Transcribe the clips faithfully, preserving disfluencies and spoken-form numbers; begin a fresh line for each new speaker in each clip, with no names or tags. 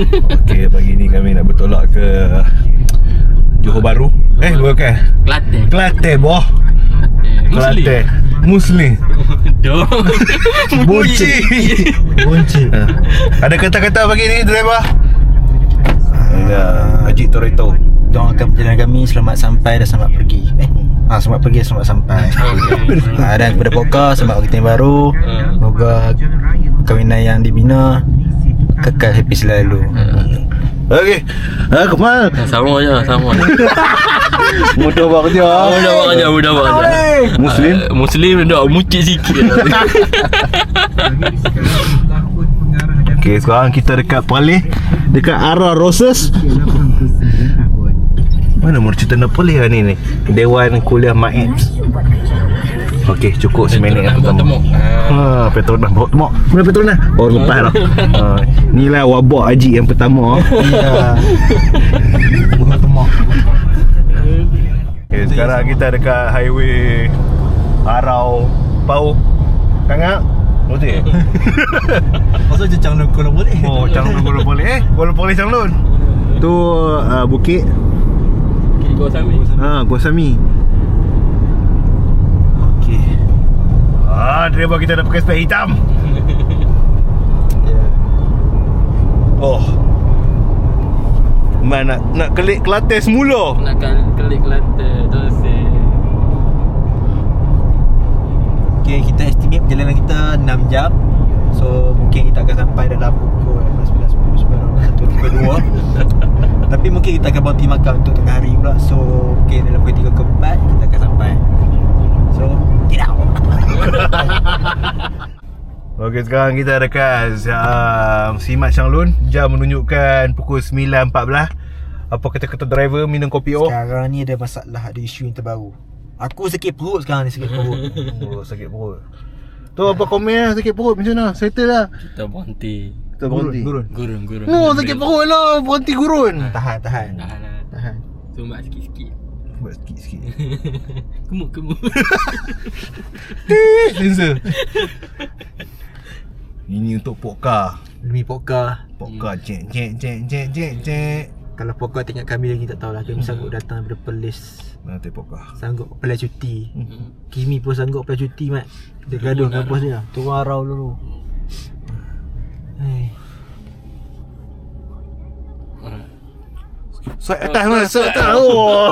Okey, pagi ni kami nak bertolak ke Johor Bahru. Eh, bukan.
Kelantan.
Kelantan, boh. Kelantan. Muslim.
Doh.
Bunci.
Bunci.
Ha. Ada kata-kata pagi ni, driver? Ya, Haji Torito.
Doakan perjalanan kami selamat sampai dan selamat pergi. Eh, ah selamat pergi dan selamat sampai.
Okay.
Ah, dan kepada podcast selamat kita yang baru. Semoga perkahwinan yang dibina kekal happy selalu.
Okey. Ha, Kemal.
Sama je, sama.
Mudah buat kerja.
Mudah buat kerja, mudah buat kerja.
Muslim.
Uh, Muslim dah mucik sikit.
Okey, sekarang kita dekat Perlis, dekat arah Roses. Mana mercita nak Perlis lah ni ni? Dewan Kuliah Maets. Okey, cukup seminit yang pertama. Ha, Petronas bawa temuk. Mana Petronas? Oh, lepas lah. Ha, inilah wabak haji yang pertama.
Ya. Bukan temuk.
Okay, sekarang kita dekat highway Arau Pau Kangak. Betul?
Pasal je Changlun Kuala boleh.
Oh, Changlun Kuala boleh. Eh, Kuala boleh Changlun. Tu uh, bukit.
Bukit Gua Sami.
Ha, Gua Sami. Okey. Ah, driver kita dah pakai spek hitam.
Ya.
Oh. Man nak nak kelik Kelantan semula.
Nak kelik Kelantan terus eh.
Okay, kita estimate perjalanan kita enam jam. So mungkin kita akan sampai dalam pukul sebelas, sepuluh, sepuluh, satu, dua. Tapi mungkin kita akan berhenti makan untuk tengah hari pula. So mungkin dalam pukul tiga ke empat kita akan sampai. So tidak.
Okey, sekarang kita dekat uh, Simat Changlun. Jam menunjukkan pukul sembilan empat belas. Apa kata-kata driver minum kopi O?
Sekarang ni ada masalah, ada isu yang terbaru. Aku sakit perut sekarang ni, sakit perut.
Oh, sakit perut. Tu apa komen lah, sakit perut macam mana? Settle lah.
Kita berhenti.
Kita berhenti.
Gurun.
Gurun, gurun.
No, sakit perut lah, berhenti gurun.
Tahan, tahan.
Tahan lah.
Tahan.
Sumbat sikit-sikit.
Buat sikit-sikit.
Kemuk-kemuk.
Sensor. Ini untuk Pokka.
Demi Pokka.
Pokka cek cek cek cek cek cek.
Kalau Pokka tengok kami lagi tak tahulah. Kami sanggup datang daripada Perlis.
Mana tu Pokka?
Sanggup apply cuti.
Hmm.
Kimi pun sanggup apply cuti, Mat. Dia gaduh dengan bos dia. Turun arau dulu. Hai.
Saya atas mana? Saya atas. Oh.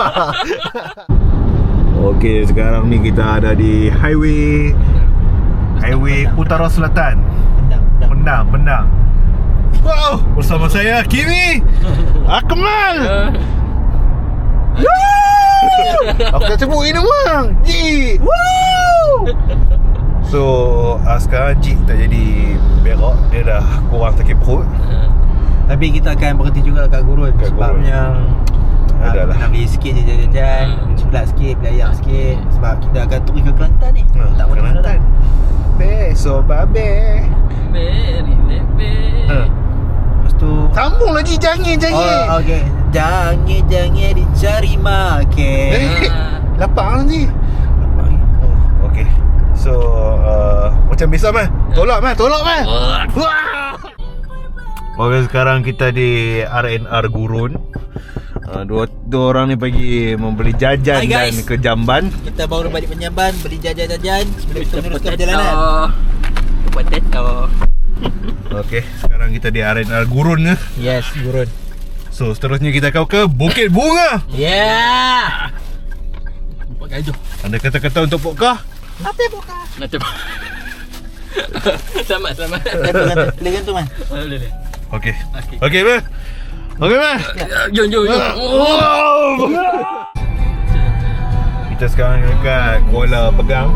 Okey, sekarang ni kita ada di highway Highway Utara Selatan.
Pendang, pendang.
Pendang, Pendang. Wow, bersama saya Kimi Akmal. Aku tak sebut ini bang. Ji. Woo. So, uh, sekarang Ji tak jadi berak. Dia dah kurang sakit perut.
Tapi kita akan berhenti juga kat Gurun.
Kat
Sebabnya
Gurun. Adalah.
nak beli sikit je jajan-jajan, cepat sikit, beli ayam sikit. Sebab kita akan turun ke Kelantan ni.
Ha,
Tak boleh
Kelantan. Beso babe.
Very lebe.
Ha.
Lepas tu
Sambung lagi jangan jangan.
Oh, okey. Jangan jangan dicari makan.
Eh, lapar nanti. Oh, okey. So, uh, macam biasa mah. Tolak mah, tolak mah. Wah. Okey, sekarang kita di R and R Gurun. Uh, dua, dua orang ni pergi membeli jajan
Hai,
dan
guys.
ke Jamban.
Kita baru balik Penyamban, beli jajan-jajan sebelum kita meneruskan
Potato.
perjalanan.
Potato.
Okey, sekarang kita di R and R Gurun ya.
Yes, Gurun.
So, seterusnya kita akan ke Bukit Bunga.
Yeah.
Nampak gajah.
Ada kata-kata untuk Pokka?
Apa buka?
Nanti. Selamat, selamat.
Boleh gantung man.
Boleh, boleh.
Okey.
Okey.
Okey, mah. Okey, mah.
Jom, jom, jom.
Wow. Kita sekarang dekat Kuala Pegang.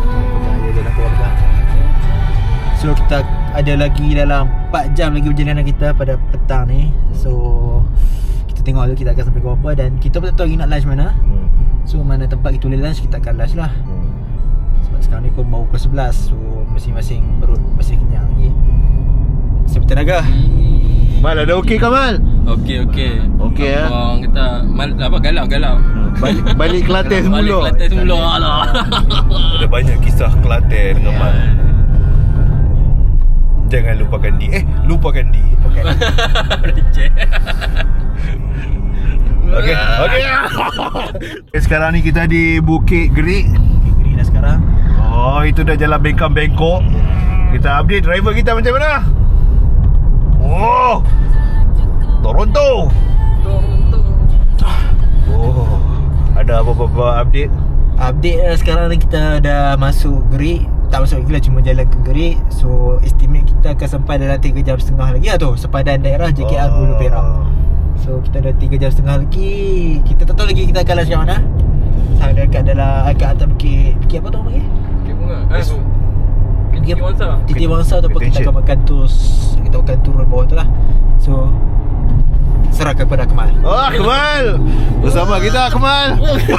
So kita ada lagi dalam empat jam lagi perjalanan kita pada petang ni. So kita tengok dulu kita akan sampai ke apa. Dan kita pun tak tahu lagi nak lunch mana.
Hmm.
So mana tempat kita boleh lunch, kita akan lunch lah.
Hmm.
Sebab sekarang ni pun baru pukul sebelas. So masing-masing perut masih kenyang lagi. Masih bertenaga.
Mal, ada okey ke Mal?
Okey, okey.
Okey, eh?
Abang kata mal, apa galau, galau.
Balik, balik Kelantan semula.
Balik Kelantan semula. Alah.
Ada banyak kisah Kelantan dengan Mal. Jangan lupakan D. Eh, lupakan D.
Okay.
Receh.
Okay, okay. Sekarang ni kita di Bukit Gerik.
Gerik dah sekarang.
Oh, itu dah jalan Bengkang Bangkok. Kita update driver kita macam mana. Oh, Toronto.
Toronto.
Oh, ada apa-apa update?
Update lah sekarang ni kita dah masuk Gerik. Tak masuk lagi lah, cuma jalan ke Gerik. So estimate kita akan sampai dalam tiga jam setengah lagi lah tu, sepadan daerah J K R Hulu Perak. So kita dah tiga jam setengah lagi. Kita tak tahu lagi kita akan lunch kat mana. Sama dekat dalam kat atas bukit. Bukit apa tu panggil?
Bukit Bunga. Eh, Bukit Wangsa.
Titik Wangsa tu apa, kita akan makan tu. Kita akan turun bawah tu lah. So serahkan kepada Akmal.
Oh, Akmal. Bersama kita Akmal.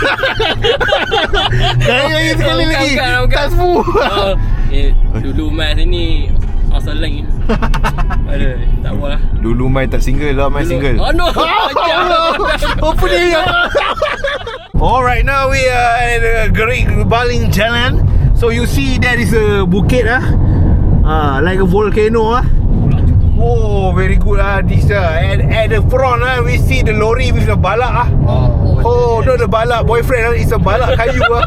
Kali lagi sekali lagi. Tak semua.
Oh, eh, dulu Mai sini asal lain. Aduh, tak apa lah.
Dulu Mai tak single lah, Mai single.
Oh no.
Apa dia? Alright, now we are at uh, Gerik Baling Jalan. So you see there is a bukit ah, ah like a volcano ah. Oh, very good ah this ah. And at the front ah, we see the lorry with the balak ah.
Oh,
Oh, no the balak boyfriend ah, it's a balak kayu ah.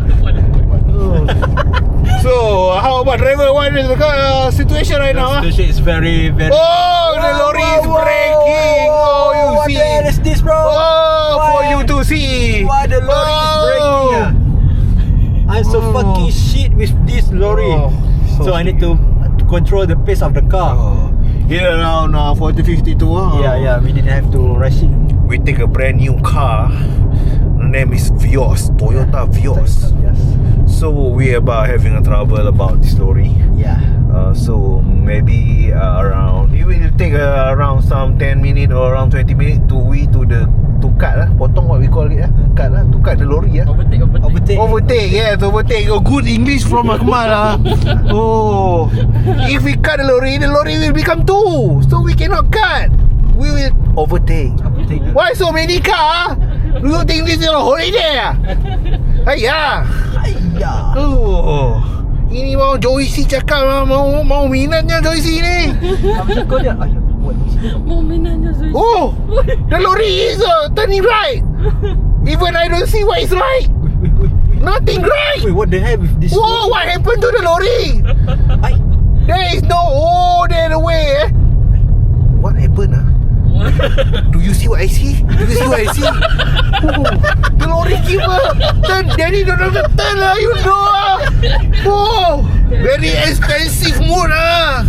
So how about driver? What is the uh, situation right now ah?
The situation is very very.
Oh, the lorry is breaking. Oh, you
what
see.
the hell is this, bro?
Oh, for
Why?
you to see.
Why the lorry is breaking ah? I'm so
Oh.
fucking shit with this lorry.
Oh,
so
so
I need to to control the pace of the car.
Oh. Here around uh, forty fifty tu ah.
Yeah, yeah, we didn't have to rush it.
We take a brand new car. The name is Vios, Toyota Vios.
Yes.
So we about having a trouble about this lorry.
Yeah.
Uh, so maybe uh, around it will take uh, around some ten minutes or around twenty minutes to we to the to cut lah, potong what we call it lah, cut lah, to cut the lorry lah.
Overtake, overtake.
Overtake.
Overtake, yes, overtake. Oh, good English from Akmal lah. Oh, if we cut the lorry, the lorry will become two, so we cannot cut. We will overtake.
Overtake.
Why so many car? You think this is a holiday ah? Ayah.
Ayah.
Oh, ini mau Joyce cakap lah, mau mau minatnya Joyce ni.
Apa kau dia? Ayah, buat ni.
Momenannya Zul.
Oh, the lorry is uh, turning right. Even I don't see what is right.
Wait, wait, wait.
Nothing right.
Wait, what the hell with this?
Whoa, what happened to the lorry?
Ay.
There is no, oh, there the way eh. What happened ah? Do you see what I see? Do you see what I see? Oh, the lorry keep uh, turn. Daddy don't have to turn lah, you know ah. Oh, very expensive mood ah.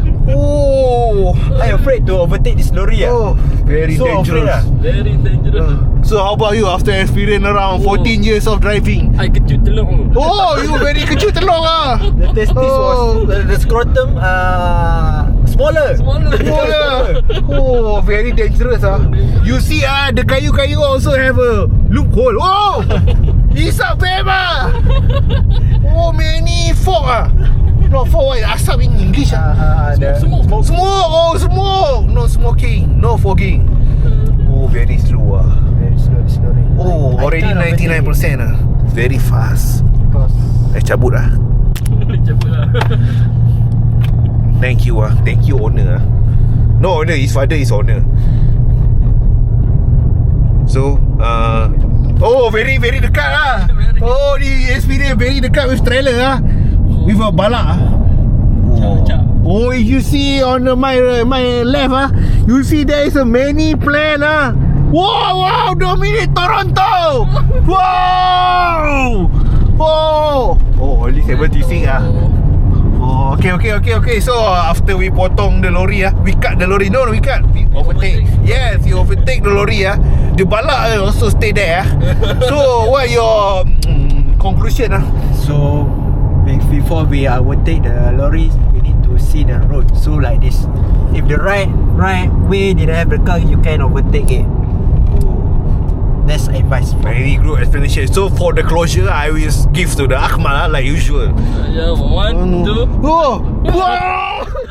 Oh,
I'm afraid to overtake this lorry ah.
oh, very
So afraid
dangerous.
ah.
Very dangerous.
So how about you after experience around
Oh.
fourteen years of driving?
I kejut telur.
Oh, you very kejut telur ah.
The testis
Oh.
was uh, the scrotum uh, smaller.
Smaller.
Oh, yeah. Oh, very dangerous ah. You see ah, the kayu-kayu also have a loophole. Oh, hisap vape ah. Oh, many fog ah. No, fog what? Asap in English ah.
Uh, the
Smoke, smoke.
Smoke, oh smoke. No smoking, no fogging. Oh, very slow ah.
Very slow this lorry.
Oh,
I
already
can't overtake
ninety-nine percent ah. Very fast.
because
Eh, cabut ah.
Cepat lah.
Thank you ah. Thank you owner ah. No owner, his father is owner. So, uh, oh, very very dekat lah. Oh, the experience very dekat with trailer ah. With a balak ah.
Cak.
Oh, if you see on the, my my left ah, you see there is a many plane ah. Wow, wow, dominate Toronto. Wow. Oh, oh, only seventy-six ah. Oh, okay, okay, okay, okay. So after we potong the lorry ah, we cut the lorry. No, we cut. We overtake. Yes, you overtake the lorry ah. The balak ah also stay there ah. So what your mm, conclusion ah?
so be- before we overtake the lorry, we need to see the road. So like this, if the right right way didn't have the car, you can overtake it. That's advice.
Very good explanation. So for the closure, I will give to the Akmal ah, like usual.
Yeah, one, two.
Oh, wow.